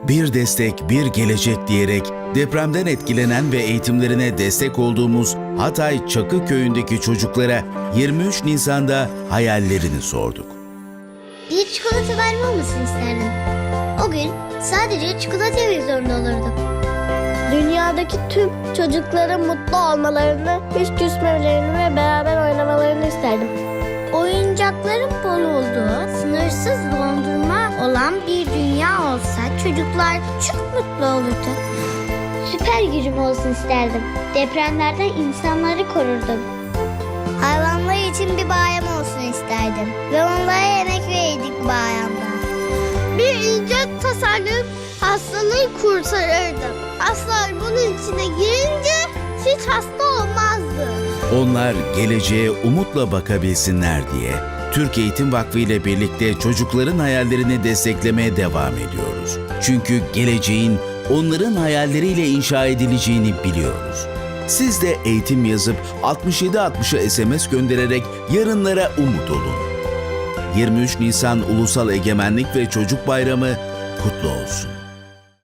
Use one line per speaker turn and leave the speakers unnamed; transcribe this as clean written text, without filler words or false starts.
Bir destek, bir gelecek diyerek depremden etkilenen ve eğitimlerine destek olduğumuz Hatay Çakı Köyü'ndeki çocuklara 23 Nisan'da hayallerini sorduk.
Bir çikolata verme olmasını isterdim. O gün sadece çikolata yemek zorunda olurdum.
Dünyadaki tüm çocukların mutlu olmalarını, hiç küsmemelerini ve beraber oynamalarını isterdim.
Oyuncakların bol olduğu, sınırsız dondurma olan bir dünya olsa çocuklar çok mutlu olurdu. Süper gücüm olsun isterdim. Depremlerden insanları korurdum. Hayvanlar için bir bayram olsun isterdim. Ve onlara yemek verirdik bayramda. Bir icat tasarlayıp hastalığı kurtarırdım. Aslan bunun içine girince hiç hasta olmazdı.
Onlar geleceğe umutla bakabilsinler diye Türk Eğitim Vakfı ile birlikte çocukların hayallerini desteklemeye devam ediyoruz. Çünkü geleceğin onların hayalleriyle inşa edileceğini biliyoruz. Siz de eğitim yazıp 6760'a SMS göndererek yarınlara umut olun. 23 Nisan Ulusal Egemenlik ve Çocuk Bayramı kutlu olsun.